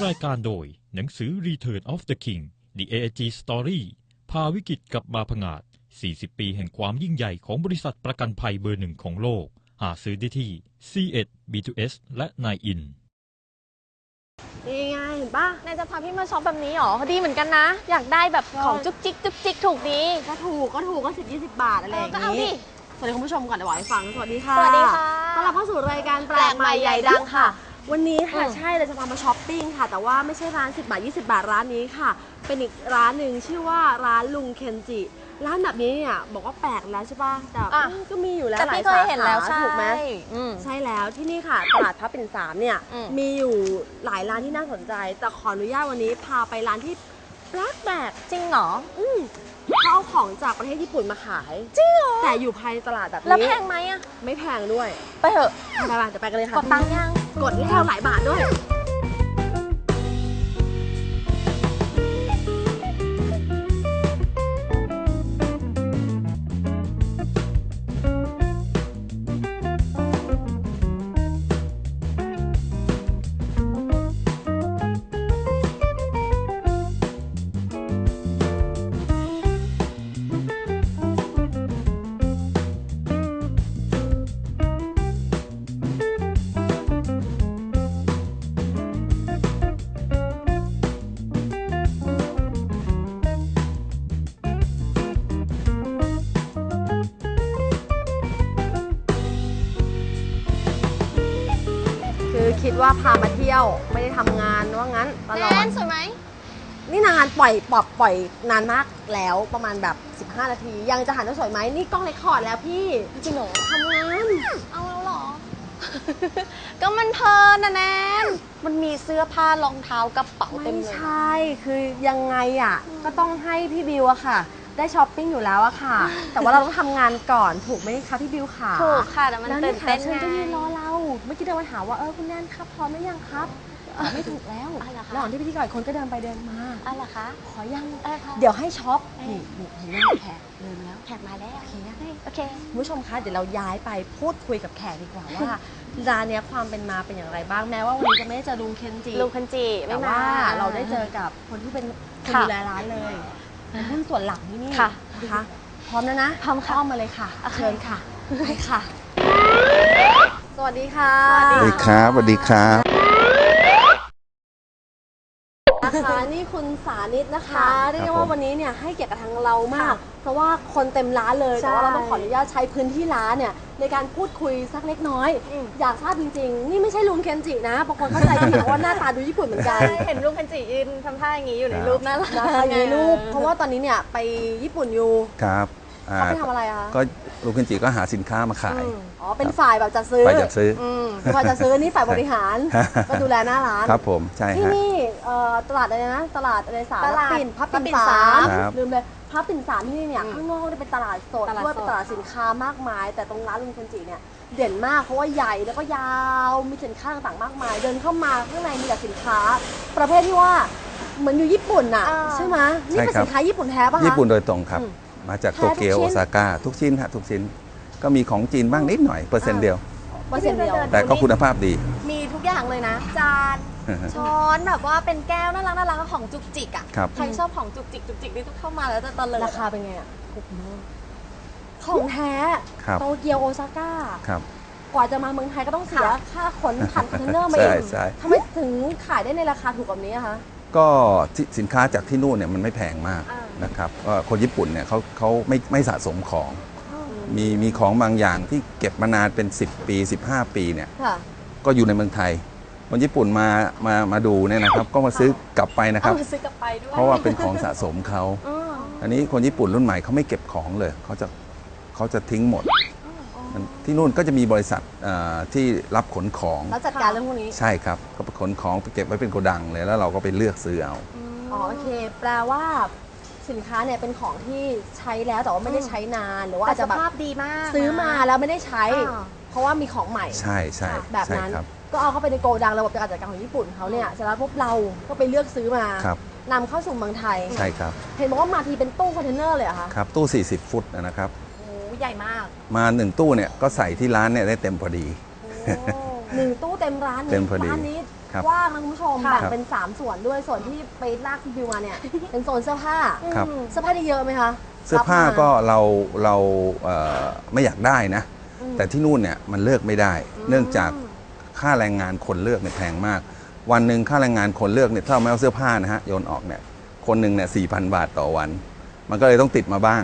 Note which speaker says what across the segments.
Speaker 1: รายการโดยหนังสือ Return of the King The AIG Story พาวิกฤตกลับมาผงาด40 ปีแห่งความยิ่งใหญ่ของบริษัทประกันภัยเบอร์หนึ่งของโลกหาซื้อได้ที่ C1 B2S และ 9in
Speaker 2: นี่ไงเห็นปะ
Speaker 3: นายจะพาพี่มาช็อปแบบนี้หรอดีเหมือนกันนะอยากได้แบบของจุกจิกจุกจิกถูกดี
Speaker 2: ก็ถูกก็10-20 บาทอะไรอย่าง
Speaker 3: ก็เอาดิ
Speaker 2: นี้สวัสดีคุณผู้ชมก่อนเดี๋ยวบอกให้ฟังสวัสดีค่ะ
Speaker 3: สวัสดีค่ะ
Speaker 2: ต้อนรับเข้าสู่รายการแปลกใหม่ใหญ่ดังค่ะ วันนี้ค่ะใช่เราจะพามาช้อปปิ้งค่ะแต่ว่าไม่ใช่ร้าน10 บาท 20 บาทร้านนี้ค่ะเป็นอีกร้านหนึ่งชื่อว่าร้านลุงเคนจิร้านแบบนี้เนี่ยบอกว่าแปลกแล้วใช่ป่ะแต่ก็มีอยู่แล้ว
Speaker 3: แต่
Speaker 2: หลาย
Speaker 3: พี่เค
Speaker 2: สาย
Speaker 3: เห็นแล้ว
Speaker 2: ขาถูกไหม
Speaker 3: ใช่
Speaker 2: ใช่แล้วที่นี่ค่ะตลาดพระปิ่นสามเนี่ยมีอยู่หลายร้านที่น่าสนใจแต่ขออนุญาตวันนี้พาไปร้านที่แปลก
Speaker 3: จริงเหรอ
Speaker 2: เขาเอาของจากประเทศญี่ปุ่นมาขาย
Speaker 3: จริงเหรอ
Speaker 2: แต่อยู่ภายในตลาดแบบนี้
Speaker 3: แล้วแพงไหมอะ
Speaker 2: ไม่แพงด้วย
Speaker 3: ไปเถอะ
Speaker 2: ไปๆเดี๋ยวไปกันเลยค่ะ
Speaker 3: กดตังค์ยัง
Speaker 2: กดแล้วหลายบาทด้วยคือคิดว่าพามาเที่ยวไม่ได้ทำงานว่างั้นตลอด
Speaker 3: แนนสวยไหม
Speaker 2: นี่นานปล่อยนานมากแล้วประมาณแบบ15 นาทียังจะหันว่าสวยไหมนี่กล้องเรคคอร์ดแล้วพี่
Speaker 3: จริงเหรอ
Speaker 2: ทำงาน
Speaker 3: เอาแล้วเหรอ ก็มันเพลินนะแนนมันมีเสื้อผ้ารองเท้ากระเป๋าเต็
Speaker 2: ไม่
Speaker 3: มเลย
Speaker 2: ใช่คือยังไงอ่ะก็ต้องให้พี่บิวอะค่ะ ได้ช้อปปิ้งอยู่แล้วอะค่ะ แต่ว่าเราต้องทำงานก่อนถูกไหมคะพี่บิวค่ะ
Speaker 3: ถูกค่ะแต่มัน
Speaker 2: แล้ว
Speaker 3: ตื่
Speaker 2: นี่
Speaker 3: น
Speaker 2: ค่ะ
Speaker 3: เต้น
Speaker 2: เชิญ
Speaker 3: ไง
Speaker 2: ก็ยืนรอเราเมื่อกี้เดินมาถามว่าคุณแนนครับพร้อมหรือยังครับไม่ถูกแล้ว
Speaker 3: อะไรคะ
Speaker 2: ระหว่างที่พิธีกรคนก็เดินไปเดินมา
Speaker 3: อะไรคะ
Speaker 2: ขอยัง
Speaker 3: ค่ะ
Speaker 2: เดี๋ยวให้ช็อปนี่เห็นไหมแขกเดินมาแล้ว
Speaker 3: แขกมาแล้ว
Speaker 2: โอเคนะ
Speaker 3: โอเค
Speaker 2: คุณผู้ชมคะเดี๋ยวเราย้ายไปพูดคุยกับแขกดีกว่าว่าร้านเนี้ยความเป็นมาเป็นอย่างไรบ้างแม้ว่าวันนี้จะไม่ได้เจอลุงเคนจิ
Speaker 3: ลุงคันจิไม่
Speaker 2: แต่
Speaker 3: มา
Speaker 2: ว่าเราได้เจอกับคนที่เป็นคน
Speaker 3: ค่ะ
Speaker 2: ดูแลร้านเลยเป็นหุ้นส่วนหลักที่นี่
Speaker 3: ค่ะ
Speaker 2: นะคะพร้อมแล้วนะ
Speaker 3: พร้อมค่ะ
Speaker 2: เข้ามาเลยค่ะ
Speaker 3: โอเค
Speaker 2: เชิญค่ะไปค่ะ สวัสดีค่ะ
Speaker 3: สวัส
Speaker 4: สวัสดีครับสวัสดีครับ
Speaker 2: นะคะนี่คุณสานิตนะคะเรียกได้ว่าวันนี้เนี่ยให้เกียรติกับทางเรามาก เพราะว่าคนเต็มร้านเลยแต่ว่าเราต้องขออนุญาตใช้พื้นที่ร้านเนี่ยในการพูดคุยสักเล็กน้อย อยากทราบจริงๆ นี่ไม่ใช่ลุงเคนจินะบางคนเข้าใจผิดว่าหน้าตาดูญี่ปุ่นเหมือนกัน
Speaker 3: เห็นลุงคันจิยืนทำท่าอย่างนี้อยู่ในรูปน่ารัก
Speaker 2: นะคะอยู่ในรูปเพราะว่าตอนนี้เนี่ยไปญี่ปุ่นอยู่
Speaker 4: ครับ
Speaker 2: เขาไปทำอะไรอะคะ
Speaker 4: ก็ลูกเคนจิก็หาสินค้ามาขาย
Speaker 2: อ๋อเป็นฝ่ายแบบจัดซื้อ
Speaker 4: ฝ่ายจัดซื้อ
Speaker 2: ฝ่ายจัดซื้อนี่ฝ่ายบริหารก็ดูแลหน้าร้าน
Speaker 4: ครับผมใช่
Speaker 2: ที่
Speaker 4: ฮะ
Speaker 2: นี่ตลาดอะไรนะตลาดอะไรสาม
Speaker 3: ตลาด
Speaker 2: พระปิ่น
Speaker 3: พระปิ่น
Speaker 2: สา
Speaker 3: สาม ม
Speaker 4: ครับ
Speaker 2: ลืมเลยพระปิ่นสามที่นี่เนี่ยข้างนอกเนี่ยเป็นตลาดสด
Speaker 3: ตลาด
Speaker 2: ด้วย
Speaker 3: สด
Speaker 2: เป็นตลาดสินค้ามากมาย แต่ตรงร้านลุงเคนจิเนี่ยเด่นมากเพราะว่าใหญ่แล้วก็ยาวมีสินค้าต่างๆมากมาย เดินเข้ามาข้างในมีแต่สินค้า ประเภทที่ว่าเหมือนอยู่ญี่ปุ่นน่ะใช่ไหมนี่เป็น
Speaker 4: ใช่ครับ
Speaker 2: สินค้าญี่ปุ่นแท้ป่ะคะ
Speaker 4: ญี่ปุ่นโดยตรงครับ มาจาก
Speaker 2: แท้
Speaker 4: โตเกียว
Speaker 2: ทุกชิ้
Speaker 4: โอน ซาก้าทุกชิ้นฮะทุกชิ้น ก็มีของจีนบ้างนิดหน่อยเปอร์เซ็นต์เดียว
Speaker 2: เปอร์เซ็นต์เดียว
Speaker 4: แต่ก็คุณภาพดี
Speaker 3: มีทุกอย่างเลยนะ จานช้อนแบบว่าเป็นแก้วน่ารักน่ารักของจุกจิกอ่ะ
Speaker 4: ครับ
Speaker 3: ใครชอบของจุกจิกจุกจิกนี่ต้องเข้ามาแล้วจะตะเลิด
Speaker 2: ราคาเป็นไงอ่ะถูกมากของแท้
Speaker 4: ครับ
Speaker 2: โตเกียวโอซาก้า
Speaker 4: ครับ
Speaker 2: กว่าจะมาเมืองไทยก็ต้องเสียค่าขนผ่านคอนเทนเนอร์มา
Speaker 4: ใช่
Speaker 2: เอง
Speaker 4: ใช่
Speaker 2: ทำไมถึงขายได้ในราคาถูกแบบนี้อะคะ
Speaker 4: ก็สินค้าจากที่นู่นเนี่ยมันไม่แพงมากนะครับก็คนญี่ปุ่นเนี่ยเขาไม่สะสมของ มีของบางอย่างที่เก็บมานานเป็น 10 ปี 15 ปีเนี่ย
Speaker 2: ค่ะ
Speaker 4: ก็อยู่ในเมืองไทยคนญี่ปุ่นมาดูเนี่ยนะครับ ก็มาซื้อกลับไปนะครับ
Speaker 3: เอามาซื้อกลับไปด้วย
Speaker 4: เพราะว่าเป็นของสะสมเขาอันนี้คนญี่ปุ่นรุ่นใหม่เขาไม่เก็บของเลยเขาจะทิ้งหมดที่นู่นก็จะมีบริษัทที่รับขนของ
Speaker 2: แล้วจัดการเรื่องพวกนี้
Speaker 4: ใช่ครับก็ไปขนของไปเก็บไว้เป็นโกดังเลยแล้วเราก็ไปเลือกซื้อเอา
Speaker 2: อ๋อโอเค แปลว่าสินค้าเนี่ยเป็นของที่ใช้แล้วแต่ว่าไม่ได้ใช้นานหรือว่า
Speaker 3: แต่
Speaker 2: อาจ
Speaker 3: ส
Speaker 2: จะแบบ
Speaker 3: ภาพดีมาก
Speaker 2: ซื้อมาแล้วไม่ได้ใช้
Speaker 3: อ่า
Speaker 2: เพราะว่ามีของใหม่
Speaker 4: ใช่ใช่
Speaker 2: แบบ
Speaker 4: ใช่
Speaker 2: นั้น
Speaker 4: ครับ
Speaker 2: ก็เอาเข้าไปในโกดังระบบการจัดการของญี่ปุ่นเขาเนี่ยเสร็จแล้วพวกเราก็ไปเลือกซื้อมา
Speaker 4: ครับ
Speaker 2: นำเข้าสู่เมืองไทย
Speaker 4: ใช่ครับ
Speaker 2: เห็นบอกว่ามาทีเป็นตู้คอนเทนเนอร์เลยเหรอคะ
Speaker 4: ครับตู้ 40 ฟุตนะครับ
Speaker 3: โอ้ใหญ่มาก
Speaker 4: มา1ตู้เนี่ยก็ใส่ที่ร้านเนี่ยได้เต็มพอดี
Speaker 2: หนึ่งตู้เต็มร้านนี้
Speaker 4: เต็มพอดี
Speaker 2: ร้านนี้
Speaker 4: ครับ
Speaker 2: กว้างนะคุณผู้ชม
Speaker 3: ค่ะ
Speaker 2: แบ่งเป็น 3 ส่วนด้วยส่วนที่ไปลากคุณบิวมาเนี่ย เป็นโซนเสื้อผ้า
Speaker 4: ครับ
Speaker 2: เสื้อผ้าที่เยอะไหมคะ
Speaker 4: เสื้อผ้า
Speaker 2: รับม
Speaker 4: ก็เราไม่อยากได้นะ แต่ที่นู่นเนี่ยมันเลือกไม่ได้ เนื่องจากค่าแรงงานคนเลือกเนี่ยแพงมาก วันหนึ่งค่าแรงงานคนเลือกเนี่ยถ้าเราไม่เอาเสื้อผ้านะฮะโยนออกเนี่ยคนหนึ่งเนี่ย4,000 บาทต่อวัน มันก็เลยต้องติดมาบ้าง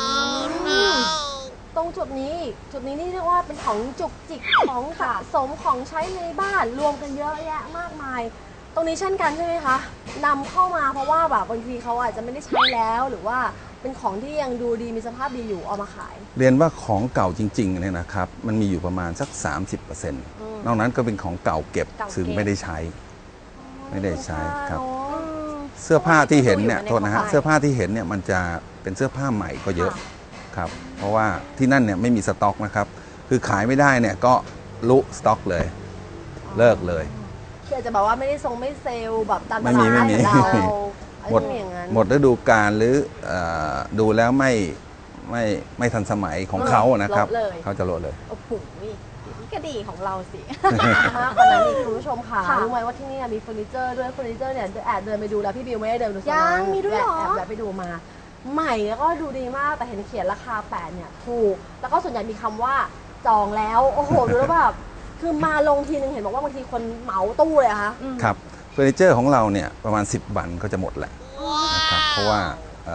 Speaker 2: ตรงจุดนี้นี่เรียกว่าเป็นของจุกจิกของสะสมของใช้ในบ้านรวมกันเยอะแยะมากมาย ตรงนี้เช่นกันใช่ไหมคะนำเข้ามาเพราะว่าแบบบางทีเขาอาจจะไม่ได้ใช้แล้วหรือว่าเป็นของที่ยังดูดีมีสภาพดีอยู่เอามาขาย
Speaker 4: เรียนว่าของเก่าจริงๆเนี่ยนะครับมันมีอยู่ประมาณสัก 30%นอกนั้นก็เป็นของเก่าเก็บ
Speaker 3: เก่าเก็บ
Speaker 4: ซึ่งไม่ได้ใช้ ไม่ได้ใช้ครับ
Speaker 2: อ๋อ
Speaker 4: เสื้อผ้าที่เห็นเนี่ย
Speaker 3: อยู่ใน
Speaker 4: โทษนะฮะ
Speaker 3: กระเป๋า
Speaker 4: เสื้อผ้าที่เห็นเนี่ยมันจะเป็นเสื้อผ้าใหม่ก็เยอะครับเพราะว่าที่นั่นเนี่ยไม่มีสต็อกนะครับคือขายไม่ได้เนี่ยก็ลุสต็อกเลยเลิกเลย
Speaker 2: คืออาจจะแบบว่าไม่ได้ทรงไม่เซลล์แบบตามต
Speaker 4: ไม่
Speaker 2: ลา
Speaker 4: มี
Speaker 2: ด
Speaker 4: ไม่มี
Speaker 2: ของเรา
Speaker 4: หมด
Speaker 2: อะไรอย่างนั้น
Speaker 4: หมดฤดูกาลหรือดูแล้วไม่ทันสมัยของเขานะครับ
Speaker 2: ลดเลย
Speaker 4: เขาจะลดเลย
Speaker 3: โอ้โหนี่ก็ดีของเราสิ
Speaker 2: มากกว่านั้นอีกคุณผู้ชมค่ะ
Speaker 3: ค่ะ
Speaker 2: รู้ไหมว่าที่นี่มีเฟอร์นิเจอร์ด้วยเฟอร์นิเจอร์เนี่ยแอบเดินไปดูแล้วพี่บิวไม่ได้เดินดูโซนนั้น
Speaker 3: ยังมีด้วยเหรอ
Speaker 2: แอบไปดูมา ใหม่แล้วก็ดูดีมากแต่เห็นเขียนราคา8เนี่ยถูกแล้วก็ส่วนใหญ่มีคำว่าจองแล้วโอ้โหดูแล้วแบบคือมาลงทีนึงเห็นบอกว่าบางทีคนเหมาตู้เลยอะคะ
Speaker 4: ครับเฟอร์นิเจอร์ของเราเนี่ยประมาณ10 วันก็จะหมดแหละนะครับเพราะว่า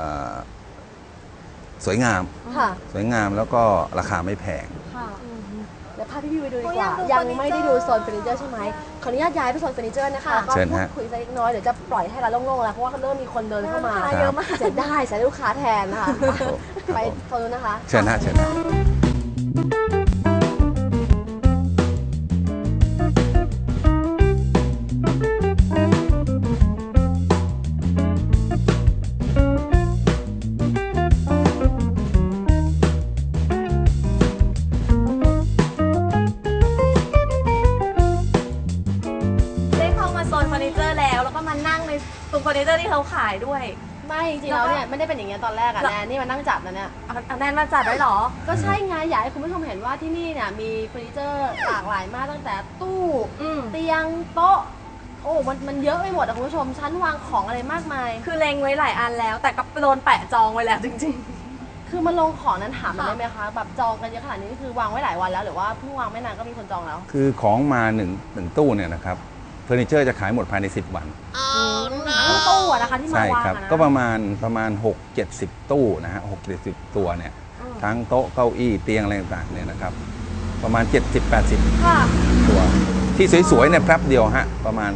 Speaker 4: สวยงาม
Speaker 2: ค่ะ
Speaker 4: สวยงามแล้วก็ราคาไม่แพง
Speaker 3: ค่ะ
Speaker 2: เดี๋ยวพาพี่บิวไปดูดี
Speaker 3: โอ้
Speaker 2: ก
Speaker 3: ย
Speaker 2: ว่า
Speaker 3: อยากดู
Speaker 2: ยังไม่ได้ดูโซนเฟอร์นิเจอร์ใช่ไหมขออนุญาตย้ายไปโซนเฟอร์นิเจอร์นะคะ
Speaker 3: ค่ะ
Speaker 2: ก็
Speaker 4: เชิญ
Speaker 2: พู
Speaker 4: ฮะ
Speaker 2: ดคุยสักเล็กน้อยเดี๋ยวจะปล่อยให้เราโล่งๆแล้วเพราะว่าเริ่มมีคนเดินเข้ามา
Speaker 3: เยอะมาก
Speaker 2: เสียได้เสียลูกค้าแทนนะคะ
Speaker 4: ครับผม
Speaker 2: ไปโซนนู้นนะคะ
Speaker 4: เชิญฮะเชิญฮะ
Speaker 3: ได้เข้ามาโซนเฟอร์นิเจอร์แล้วก็มานั่งในตรงเฟอร์นิเจอร์ที่เขาขายด้วย
Speaker 2: ไม่จริงๆแล้วเนี่ยไม่ได้เป็นอย่างเงี้ยตอนแรกอะแนนนี่มานั่งจับนะเนี่ย
Speaker 3: เอาแนนมาจัดไว้เหรอ
Speaker 2: ก็ใช่ไงอยากให้คุณผู้ชมเห็นว่าที่นี่เนี่ยมีเฟอร์นิเจอร์หลากหลายมากตั้งแต่ตู้
Speaker 3: อืม
Speaker 2: เตียงโต๊ะโอ้มันเยอะไปหมดอะคุณผู้ชมชั้นวางของอะไรมากมาย
Speaker 3: คือเล็งไว้หลายอันแล้ว แต่ก็โดนแปะจองไว้แล้วจริง
Speaker 2: คือมันลงของนั้นถามมัน
Speaker 3: ค่ะ
Speaker 2: ได้ไหมคะแบบจองกันเยอะขนาดนี้นี่คือวางไว้หลายวันแล้วหรือว่าเพิ่งวางไม่นานก็มีคนจองแล้ว
Speaker 4: คือของมาหนึ่งตู้เนี่ยนะครับเฟอร์นิเจอร์จะขายหมดภายใน10 วัน
Speaker 2: ทั้งตู้อะนะคะที่มา
Speaker 4: ใช่
Speaker 2: วาง
Speaker 4: ครับ
Speaker 2: อะนะ
Speaker 4: ก็ประมาณ6-70 ตู้นะฮะ6-70 ตัวเนี่ยทั้งโต๊ะเก้าอี้เตียงอะไรต่างๆเนี่ยนะครับประมาณ 70-80
Speaker 2: ค่ะ
Speaker 4: ตัวที่สวยๆเนี่ยแป๊บเดียวฮะประมาณ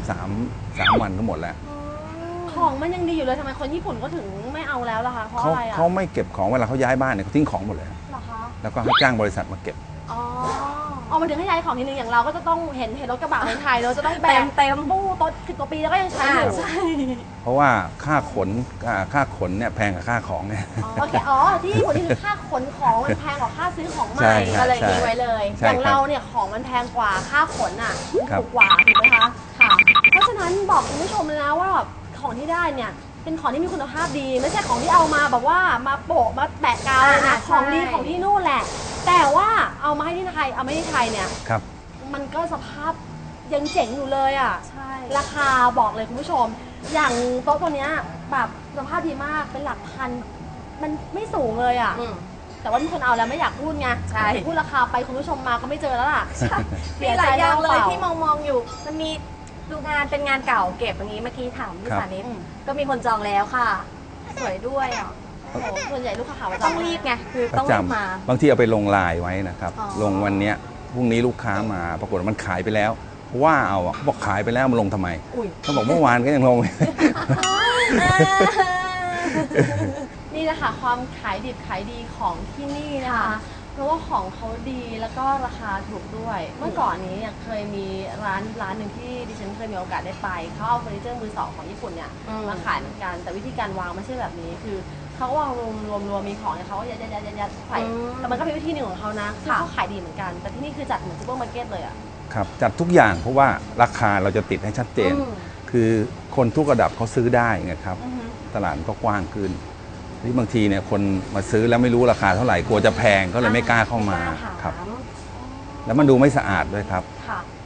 Speaker 4: 3 วันก็หมดแล้ว
Speaker 2: ของมันยังดีอยู่เลยทำไมคนญี่ปุ่นก็ถึงไม่เอาแล้วล่ะคะเพราะอะไรอะ
Speaker 4: เขาไม่เก็บของเวลาเขาย้ายบ้านเนี่ยเขาทิ้งของหมดเลย
Speaker 2: เหรอคะ
Speaker 4: แล้วก็ให้จ้างบริษัทมาเก็บ
Speaker 2: อ๋อเอามาถึงให้ย้ายของทีนึงอย่างเราก็จะต้องเห็นรถกระบะในไทยเราจะต้องแบก
Speaker 3: เต็ม
Speaker 2: ตู้โต๊ะ10 กว่าปีแล้วก็ยังใช้อยู่
Speaker 3: ใช่
Speaker 4: เพราะว่าค่าขนเนี่ยแพงกว่าค่าของเนี่ย
Speaker 2: โอเคอ๋อที่ญี่ปุ่นนี่คือค่าขนของมันแพงกว่าค่าซื้อของให
Speaker 4: ใช่
Speaker 2: ม่
Speaker 4: ครับ
Speaker 2: ก็เลย
Speaker 4: ใช่
Speaker 2: ทิ้งไว้เลย
Speaker 4: ใช่
Speaker 2: อย่าง
Speaker 4: ครับ
Speaker 2: เราเนี่ยของมันแพงกว่าค่าขนอ่ะ
Speaker 4: ครับ
Speaker 2: ถูกกว่าถูกไหมคะค่ะ เพราะฉะนั้นบอกคุณผู้ชมเลยนะว่าแบบของที่ได้เนี่ยเป็นของที่มีคุณภาพดี ไม่ใช่ของที่เอามาแบบว่ามาโปะมาแปะกาวเลยนะ
Speaker 3: ใช่
Speaker 2: ของดีของที่นู่นแหละ แต่ว่าเอามาให้ที่ไทยเอาไม่ที่ไทยเนี่ย
Speaker 4: ครับ
Speaker 2: มันก็สภาพยังเจ๋งอยู่เลยอ่ะ
Speaker 3: ใช่
Speaker 2: ราคาบอกเลยคุณผู้ชม อย่างโต๊ะตัวเนี้ยแบบสภาพดีมากเป็นหลักพันมันไม่สูงเลยอ่ะ
Speaker 3: อืม
Speaker 2: แต่ว่ามีคนเอาแล้วไม่อยากพูดไง
Speaker 3: ใช่
Speaker 2: พูดราคาไปคุณผู้ชมมาก็ไม่เจอแล้วล่ะ
Speaker 3: มีหลายอย่างเลย
Speaker 2: เสีใจ
Speaker 3: ที่มองอยู่ มันมีดูงานเป็นงานเก่าเก็บอย่างนี้เมื่อกี้ถามพี่
Speaker 4: ครับ
Speaker 3: สานิตก็มีคนจองแล้วค่ะ สวยด้วยอ่ะ
Speaker 2: โอ้โหส่วนใหญ่ลูกค้าหาว่า
Speaker 3: ต้องรีบไงคือ
Speaker 4: ประ
Speaker 3: ต้อง
Speaker 4: จ
Speaker 3: รีบมา
Speaker 4: ำบางทีเอาไปลงไลน์ไว้นะครับ
Speaker 3: อ๋อ
Speaker 4: ลงวันเนี้ยพรุ่งนี้ลูกค้ามาปรากฏว่ามันขายไปแล้วว่าเอาอะเขาบอกขายไปแล้วมันลงทำไม
Speaker 2: อุ้ย
Speaker 4: เขาบอกเมื่อวานก็ยังลง
Speaker 2: นี่แหละค่ะความขายดิบขายดีของที่นี่นะคะ
Speaker 3: ค่ะ
Speaker 2: เพราะว่าของเขาดีแล้วก็ราคาถูกด้วย เมื่อก่อนนี้เนี่ยเคยมีร้านหนึ่งที่ดิฉันเคยมีโอกาสได้ไปเขาเอาเฟอร์นิเจอร์มือสองของญี่ปุ่นเนี่ยมาขายเหมือนกันแต่วิธีการวางไม่ใช่แบบนี้คือเขาก็วางรวมมีของเนี่ยเขาก็ยัดใส่แต่มันก็เป็นวิธีหนึ่งของเขานะซึ่งเขาขายดีเหมือนกัน แต่ที่นี่คือจัดเหมือนซูเปอร์มาร์เก็ตเลยอ่ะ
Speaker 4: ครับจัดทุกอย่างเพราะว่าราคาเราจะติดให้ชัดเจน คือคนทุกระดับเขาซื้อได้ไงครับ ตลาดมันก็กว้างขึ้นที่บางทีเนี่ยคนมาซื้อแล้วไม่รู้ราคาเท่าไหร่กลัวจะแพงก็เลยไม่กล้าเข้ามา
Speaker 2: ไม่กล้าถาม
Speaker 4: ครับ แล้วมันดูไม่สะอาดด้วยครับ
Speaker 2: ค่ะ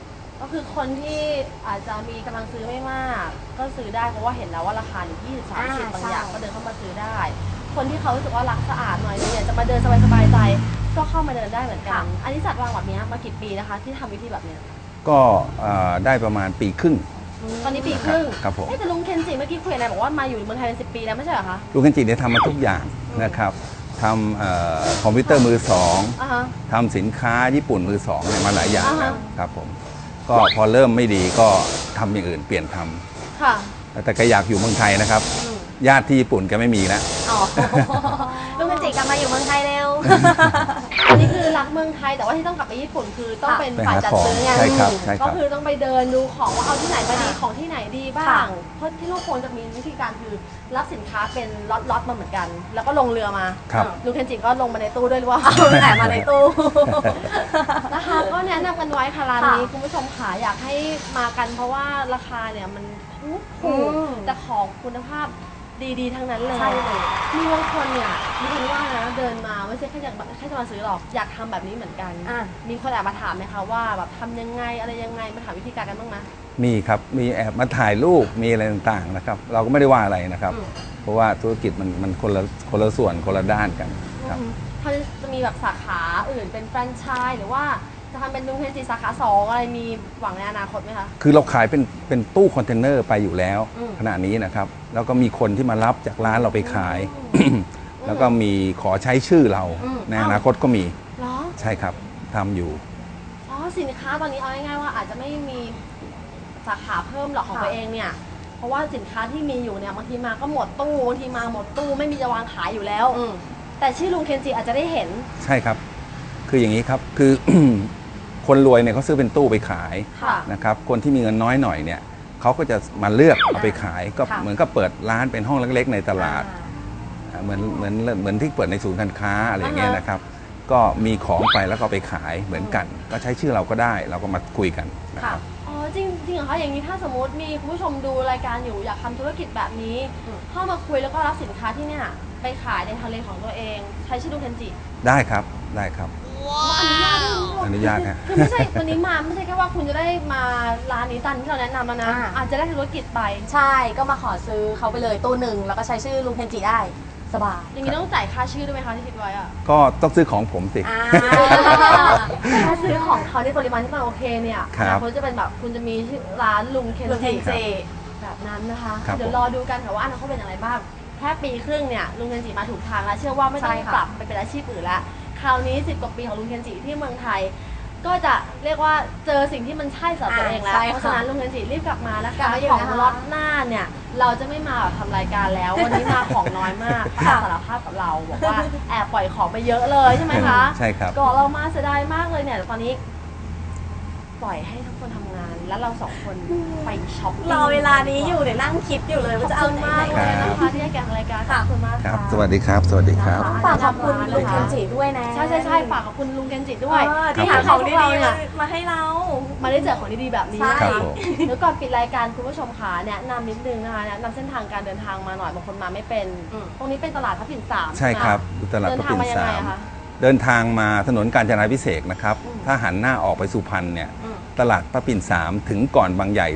Speaker 2: ก็คือคนที่อาจจะมีกำลังซื้อไม่มาก ก็ซื้อได้เพราะว่าเห็นแล้วว่าราคาอยู่20-30บางอย่างก็เดินเข้ามาซื้อได้ คนที่เขารู้สึกว่ารักสะอาดหน่อยนึงเนี่ยจะมาเดินสบายๆใจก็เข้ามาเดินได้เหมือนกัน อันนี้จัดวางแบบนี้มากี่ปีนะคะที่ทำวิธีแบบเนี้ย
Speaker 4: ก็ได้ประมาณปีครึ่ง
Speaker 2: ตอนนี้ปีครึ่ง
Speaker 4: ครับผม
Speaker 2: แต่ลุงเคนจิเมื่อกี้คุยอะไรบอกว่ามาอยู่ในเมืองไทยเป็น10 ปีแล้วไม่ใช่เหรอคะ
Speaker 4: ลูกเคนจิเนี่ยทำมาทุกอย่างนะครับทำคอมพิวเตอร์มือสอง
Speaker 2: อ่าฮะ
Speaker 4: ทำสินค้าญี่ปุ่นมือสองเนี่ยมาหลายอย่าง
Speaker 2: อ่าฮะ
Speaker 4: แล้วครับผมก็พอเริ่มไม่ดีก็ทำอย่างอื่นเปลี่ยนทำ
Speaker 2: ค่ะ
Speaker 4: แต่ก็อยากอยู่เมืองไทยนะครับ ญาติที่ญี่ปุ่นก็ไม่มีแล้ว
Speaker 2: อ๋อ
Speaker 3: ลุงเคนจิกลับมาอยู่เมืองไทยเร็ว
Speaker 2: อันนี้คือรักเมืองไทยแต่ว่าที่ต้องกลับไปญี่ปุ่นคือต้องเป็นฝ่ายจัดซื้อไง
Speaker 4: ใช่ครับใช่ครับ
Speaker 2: ก็คือต้องไปเดินดูของว่าเอาที่ไหนมาดีของที่ไหนดีบ้าง เพราะที่ลูกโคนจะมีวิธีการคือรับสินค้าเป็นล็อตๆมาเหมือนกัน แล้วก็ลงเรือมา
Speaker 4: ครับ
Speaker 2: ลุงเคนจิก็ลงมาในตู้ด้วยหรือว่าเอาแต่มาในตู้ นะคะก็แนะนำกันไว้ค่ะร้านนี้คุณผู้ชมค่ะอยากให้มากันเพราะว่าราคาเนี่ยมันถูกแต่ของคุณภาพดีๆทั้งนั้นเลย
Speaker 3: ใช่เลย
Speaker 2: มีบางคนเนี่ยมีคนว่านะเดินมาไม่ใช่แค่จะมาซื้อหรอกอยากทำแบบนี้เหมือนกัน มีคนแอบมาถามไหมคะว่าแบบทำยังไงอะไรยังไงมาถามวิธีการกันบ้างไหม
Speaker 4: มีครับมีแอบมาถ่ายรูปมีอะไรต่างๆนะครับเราก็ไม่ได้ว่าอะไรนะครับ เพราะว่าธุรกิจมันคนละส่วนคนละด้านกันครับ
Speaker 2: เขาจะมีแบบสาขาอื่นเป็นแฟรนไชส์หรือว่าจะทำเป็นลุงเคนจิสาขา2อะไรมีหวังในอนาคตไหมคะ
Speaker 4: คือเราขายเป็นตู้คอนเทนเนอร์ไปอยู่แล้ว
Speaker 2: อืม
Speaker 4: ขณะนี้นะครับแล้วก็มีคนที่มารับจากร้านเราไปขาย แล้วก็มีขอใช้ชื่อเรา ในอนาคตก็มี
Speaker 2: เหรอ
Speaker 4: ใช่ครับทำอยู่
Speaker 2: อ๋อสินค้าตอนนี้เอาง่ายๆว่าอาจจะไม่มีสาขาเพิ่มหรอกของตัวเองเนี่ยเพราะว่าสินค้าที่มีอยู่เนี่ยบางทีมาก็หมดตู้บางทีมาหมดตู้ไม่มีจะวางขายอยู่แล้วแต่ชื่อลุงเคนจิอาจจะได้เห็น
Speaker 4: ใช่ครับ คืออย่างนี้ครับคือ คนรวยเนี่ยเขาซื้อเป็นตู้ไปขาย
Speaker 2: ค่ะ
Speaker 4: นะครับคนที่มีเงินน้อยหน่อยเนี่ยเขาก็จะมาเลือกเอาไปขายก็
Speaker 3: ค่ะ
Speaker 4: เหมือนกับเปิดร้านเป็นห้องเล็กๆในตลาด เหมือนที่เปิดในศูนย์การค้าอะไรอย่างเงี้ยนะครับ ก็มีของไปแล้วก็เอาไปขายเหมือนกัน ก็ใช้ชื่อเราก็ได้เราก็มาคุยกันนะครับ
Speaker 2: อ๋อจริงเหรอคะอย่างนี้ถ้าสมมติมีคุณผู้ชมดูรายการอยู่อยากทำธุรกิจแบบนี้เข้ามาคุยแล้วก็รับสินค้าที่เนี่ยไปขายในทะเลของตัวเองใช้ชื่อลุงเคนจิ
Speaker 4: ได้ครับได้ครับ อนุญาตฮะ
Speaker 2: คือไม่ใช่วันนี้มาไม่ใช่แค่ว่าคุณจะได้มาร้านนี้ตามที่เราแนะนำแล้วนะอาจจะได้ธุรกิจไป
Speaker 3: ใช่ก็มาขอซื้อเขาไปเลยตู้หนึ่งแล้วก็ใช้ชื่อลุงเคนจิได้สบาย
Speaker 2: อย่างนี้ต้องจ่ายค่าชื่อด้วยไหมคะที่คิดไว้อะ
Speaker 4: ก็ต้องซื้อของผมสิ
Speaker 2: ถ้าซื้อของเขาในปริมาณที่มันโอเคเนี่ย
Speaker 4: ครับ
Speaker 2: เขาจะเป็นแบบคุณจะมีชื่อร้านลุงเคน
Speaker 3: ลุงเคน
Speaker 2: จิ
Speaker 3: จิ
Speaker 2: แบบนั้นนะคะ
Speaker 4: ครับ
Speaker 2: เดี๋ยวรอดูกันค่ะว่าอนาคตเป็นอย่างไรบ้างแค่ปีครึ่งเนี่ยลุงเคนจิมาถูกทางแล้วเชื่อว่าไม่ต้อง
Speaker 3: ใช่ค่ะ
Speaker 2: ปรับไปเป็นอาชีพอื่นละคราวนี้10 กว่าปีของลุงเคนจิที่เมืองไทย ก็จะเรียกว่าเจอสิ่งที่มันใช่สำหรับตัวเองแล้ว
Speaker 3: ใช่
Speaker 2: เพราะ
Speaker 3: ค่ะ
Speaker 2: ฉะนั้นลุงเคนจิรีบกลับมานะ
Speaker 3: กลั
Speaker 2: คะ
Speaker 3: บมาอยู่
Speaker 2: ของ
Speaker 3: นะคะ
Speaker 2: ล็อตหน้าเนี่ยเราจะไม่มาแบบทำรายการแล้ว วันนี้มาของน้อยมาก
Speaker 3: ค่ะ
Speaker 2: สารภาพกับเราบอกว่าแอบปล่อยของไปเยอะเลยใช่ไหมคะ
Speaker 4: ใช่ครับ
Speaker 2: ก่อนเรามาเสียดายมากเลยเนี่ยแต่ตอนนี้ ปล่อยให้ทุกคนทำงาน แล้วเราสองคนไปช็อปปิ้ง
Speaker 3: รอเวลานี้อยู่เดี๋ยวนั่งคิดอยู่เลย
Speaker 2: ขอ
Speaker 3: ว่า
Speaker 2: บ
Speaker 3: จะเอา
Speaker 2: คุณ
Speaker 3: ไหน
Speaker 2: มาก
Speaker 3: ไหน
Speaker 2: เลยนะคะที่ให้แกงรายการขอบคุณมาก
Speaker 4: ครั
Speaker 2: ค่ะ
Speaker 4: บ สวัสดีครับ สวัสดีครับ
Speaker 3: ฝากขอบคุณลุงเคนจิด้วยนะ
Speaker 2: ใช่ฝากขอบคุณลุงเคนจิด้วย
Speaker 3: ที่หา
Speaker 2: ทำ
Speaker 3: ของ
Speaker 2: ให้
Speaker 3: ดี
Speaker 2: พวกเราเนี่ย
Speaker 3: ๆมาให้เรา
Speaker 2: มาได้เจอของดีๆแบบนี้
Speaker 3: ใช่
Speaker 2: นะ
Speaker 4: ครั
Speaker 2: คะ
Speaker 4: บผม
Speaker 2: เดี๋ยวก่อนปิดรายการคุณผู้ชมค่ะแนะนำนิดนึงนะคะแนะนำเส้นทางการเดินทางมาหน่อยบางคนมาไม่เป็น ตรงนี้เป็นตลาดพระปิ่น3
Speaker 4: ใช่ครับตลาด
Speaker 2: เดิ
Speaker 4: พ
Speaker 2: น
Speaker 4: ระ
Speaker 2: ทาง
Speaker 4: ปิ่น
Speaker 2: มายัง
Speaker 4: สา
Speaker 2: ไง
Speaker 4: ม
Speaker 2: อะคะ
Speaker 4: เดินทางมาถนนกาญจนาพิเศษกนะครับ ถ้าหันหน้าออกไปสุพรรณเนี่ย ตลาดพระปิ่น3ถึงก่อนบางใหญ่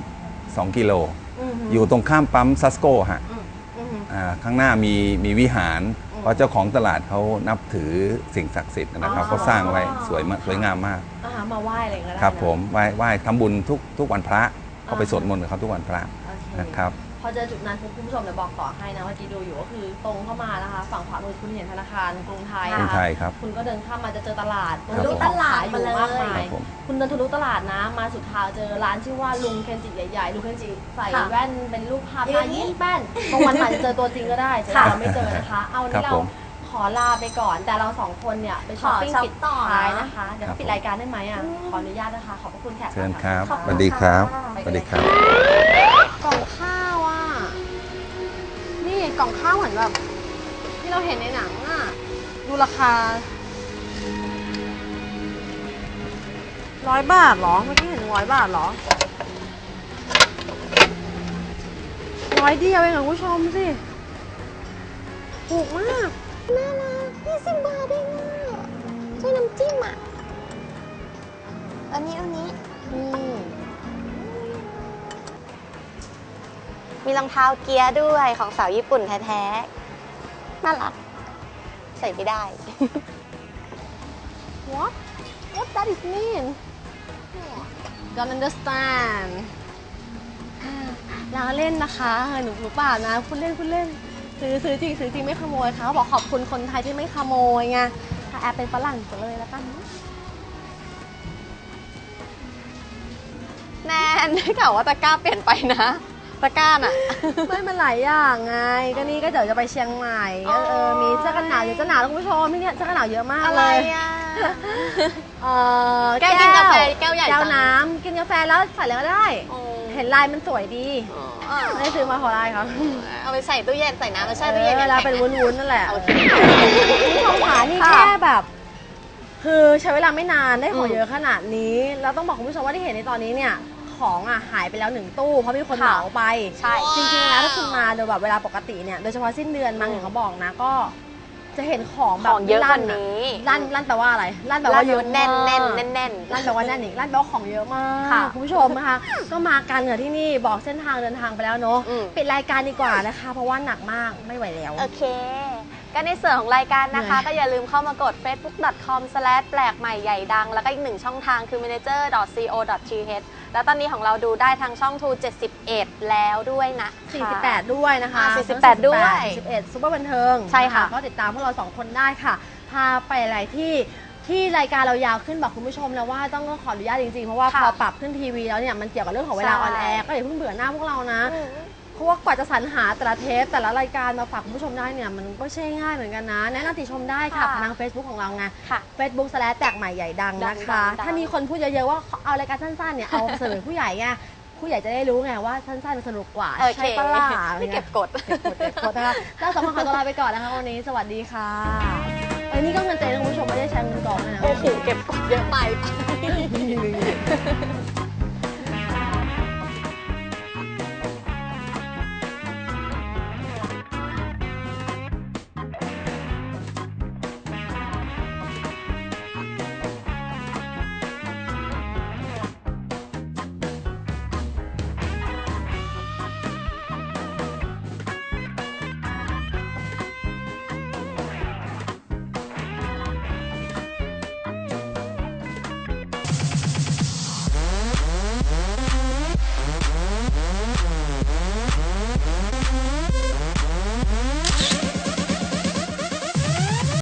Speaker 4: 2กิโล อยู่ตรงข้ามปั๊มซัสโกฮะข้างหน้ามีวิหาร เพราะเจ้าของตลาดเขานับถือสิ่งศักดิ์สิทธิ์นะครับเขาสร้างไว้สวยงามมาก
Speaker 2: มาไหว้อะไรอย่างเงี้ยก็ได้
Speaker 4: ครับ
Speaker 2: นะ
Speaker 4: ผมไหว้ทำบุญทุกวันพระเขาไปสวดมนต์กับเขาทุกวันพระ
Speaker 2: โอเค
Speaker 4: นะครับ
Speaker 2: พอเจอจุดนั้นคุณผู้ชมเดี๋ยวบอกต่อให้นะเมื่อกี้ดูอยู่ก็คือตรงเข้ามานะคะ ฝั่งขวามือคุณเห็นธนาคารกรุงไทย
Speaker 4: กรุง
Speaker 2: นะคะ
Speaker 4: ไทยครับ
Speaker 2: คุณก็เดินข้ามมาจะเจอตลาด
Speaker 4: ครับ
Speaker 2: มีของขายอยู่มากมา
Speaker 4: ครั
Speaker 2: ย
Speaker 4: บผม
Speaker 2: คุณเดินทะลุตลาดนะมาสุดทางเจอร้านชื่อว่าลุงเคนจิใหญ่ๆลุงเคนจิใส่แว่นเป็นรูปภาพหน้ายิ้มแป้นบางวันอาจจะเจอตัวจริงก็ได้แต่เราไม่เจอนะคะ เอานี่เราขอลาไปก่อน แต่เราสองคนเนี่ยไปช้อปปิ้ง
Speaker 3: ขอช็อป
Speaker 2: ปิด
Speaker 3: ต่อ
Speaker 2: ท้ายนะคะเดี๋ยว
Speaker 4: ครับ
Speaker 2: ปิดรายการได้ไหมอ่ะขออนุญาตนะคะขอบพระคุณแขก
Speaker 4: เชิญ
Speaker 2: นะะ
Speaker 4: ครับ
Speaker 3: ขอบ
Speaker 4: ส
Speaker 3: คุณ
Speaker 4: วัสดีครับ
Speaker 3: ค่ะ
Speaker 4: สวัสดีครับ
Speaker 2: กล่องข้าวอ่ะ นี่กล่องข้าวเหมือนแบบที่เราเห็นในหนังอ่ะ ดูราคา100 บาทเหรอ เมื่อกี้เห็น100 บาทเหรอ100 เดียวเองอ่ะคุณผู้ชมสิ ถูกมาก
Speaker 3: น่ารัก20 บาทเองอ่ะใช่น้ำจิ้มอ่ะอันนี้
Speaker 2: อืม
Speaker 3: มีรองเท้าเกียร์ด้วยของสาวญี่ปุ่นแท้ๆ น่ารัก ใส่ไม่ได้
Speaker 2: What that is mean Don't understand ล้อเล่นนะคะหนูเปล่านะพูดเล่นซื้อจริงไม่ขโมยค่ะเขาบอกขอบคุณคนไทยที่ไม่ขโมยไงถ้าแอบเป็นฝรั่งจะเลยแล้วกัน
Speaker 3: แนนได้ข่าวว่าตะกร้าเปลี่ยนไปนะ ตะกร้าน่ะ
Speaker 2: ไม่มันหลายอย่างไงก็นี่ก็เดี๋ยวจะไปเชียงใหม่ก็มีเสื้อกันหนาวเดี๋ยวจะหนาวแล้วคุณผู้ชมที่เนี่ยเสื้อกันหนาวเยอะมาก
Speaker 3: อะไร
Speaker 2: เลย
Speaker 3: อ่ะ
Speaker 2: แก้ว
Speaker 3: กินกาแฟแก้วใหญ่
Speaker 2: แก้ว
Speaker 3: จัง
Speaker 2: น้ำกินกาแฟแล้วใส่แล้วก็ได้ เห็นลายมันสวยดีไม่ได้ซื้อมาเพราะอะไรคะ
Speaker 3: เอาไปใส่ตู้เย็นใส่น้ำแล้วแช่ตู้เย็น
Speaker 2: เวลาเป็นวุ้นๆนั่นแหละ
Speaker 3: โอเค
Speaker 2: นี่ของขานี่แค่แบบ คือใช้เวลาไม่นานได้ของเยอะขนาดนี้แล้วต้องบอกคุณผู้ชมว่าที่เห็นในตอนนี้เนี่ยของอ่ะหายไปแล้ว1 ตู้เพราะมีคนเหมาไป
Speaker 3: ใช่
Speaker 2: จริงๆแล้วถ้าคุณมาโดยแบบเวลาปกติเนี่ยโดยเฉพาะสิ้นเดือนมั้งอย่างเขาบอกนะก็จะเห็นของแบ
Speaker 3: ข
Speaker 2: บ
Speaker 3: องเยอะกว่านี้
Speaker 2: ลั่นแปลว่าอะไรลั่นแปลว่าเยอะ
Speaker 3: แน่น
Speaker 2: มาก
Speaker 3: แน่นแน่นแน่น
Speaker 2: ลั่นแปลว่าแน่นอีกลั่นแปลว่าของเยอะมาก
Speaker 3: ค่ะ
Speaker 2: คุณผู้ชมนะคะก็มากันเหนือที่นี่บอกเส้นทางเดินทางไปแล้วเนาะ
Speaker 3: อืม
Speaker 2: ปิดรายการดีกว่านะคะ เพราะว่าหนักมากไม่ไหวแล้ว
Speaker 3: โอเค ก็ในส่วนของรายการนะคะ
Speaker 2: เหนื่อย
Speaker 3: ก็อย่าลืมเข้ามากด facebook.com/ แปลกใหม่ใหญ่ดัง แล้วก็อีก1ช่องทางคือ manager.co.th แล้วตอนนี้ของเราดูได้ทางช่อง True 71 แล้วด้วยนะ
Speaker 2: 48 ด้วยนะคะ
Speaker 3: 48ด้วย
Speaker 2: 41ซุปเปอร์บันเทิง
Speaker 3: ใช่ค่ะ
Speaker 2: นก็ติดตามพวกเรา2คนได้ค่ะ พาไปหลายที่รายการเรายาวขึ้นบอกคุณผู้ชมแล้วว่าต้องขออนุญาตจริงๆ เพราะว่าพอปรับขึ้นทีวีแล้วเนี่ยมันเกี่ยวกับเรื่องของเวลาออนแอร์ก็อย่าเพิ่งเบื่อหน้าพวกเรานะ เพราะว่ากว่าจะสรรหาแต่ละเทปแต่ละรายการมาฝากคุณผู้ชมได้เนี่ยมันก็ใช่ง่ายเหมือนกันนะแนะนำติชมได้ค่ะ
Speaker 3: ค่ะ
Speaker 2: ทาง Facebook ของเราไง
Speaker 3: ค่ะ
Speaker 2: Facebook/ แตกใหม่ใหญ่ดังนะคะ
Speaker 3: ดัง
Speaker 2: ถ้ามีคนพูดเยอะๆว่าเอารายการสั้นๆเนี่ยเอาเสนอผู้ใหญ่ไงผู้ใหญ่จะได้รู้ไงว่าสั้นๆมันสนุกกว่า
Speaker 3: โอเค
Speaker 2: ใช่ปะล่ะ
Speaker 3: ไม่เก็บกด
Speaker 2: เก็บกดนะคะแล้วสองคนขอตัวลาไปก่อนนะคะวันนี้สวัสดีค่ะเอ้ยนี่ก็เงินเต็มนะคุณผู้ชมไม่ได้ใช้เงินกองนะ
Speaker 3: โอ้โหเก็บกดเยอะไป